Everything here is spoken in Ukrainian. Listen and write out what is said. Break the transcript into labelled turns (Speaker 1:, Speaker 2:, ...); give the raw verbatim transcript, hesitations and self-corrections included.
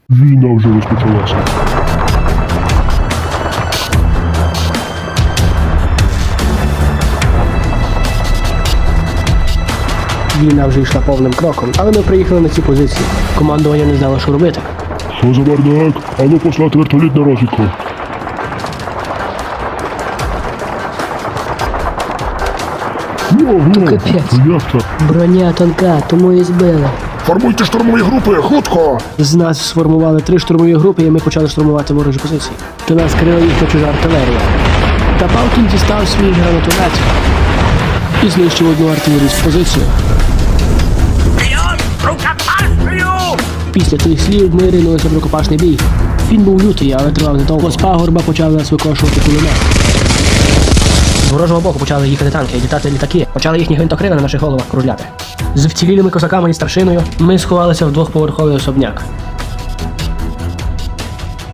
Speaker 1: Війна вже розпочалася.
Speaker 2: Війна вже йшла повним кроком, але ми приїхали на ці позиції. Командування не знало, що робити.
Speaker 1: Що за бардак? Ану послати вертоліт на розвідку. Ого,
Speaker 2: Капець.
Speaker 1: як так?
Speaker 2: Броня тонка, тому і збили.
Speaker 1: Формуйте штурмові групи, хутко!
Speaker 2: З нас сформували три штурмові групи, і ми почали штурмувати ворожі позиції. До нас крила їхня чужа артилерія. Та Палкін дістав свій гранатомет і знищив одну артилерійську позицію. Після тих слів ми ринулися в рукопашний бій. Він був лютий, але тривав недовго. З пагорба почали нас викошувати кулемет. З ворожого боку почали їхати танки, літати літаки. Почали їхні гвинтокрили на наших головах кружляти. З вцілілими козаками і старшиною ми сховалися в двохповерховий особняк.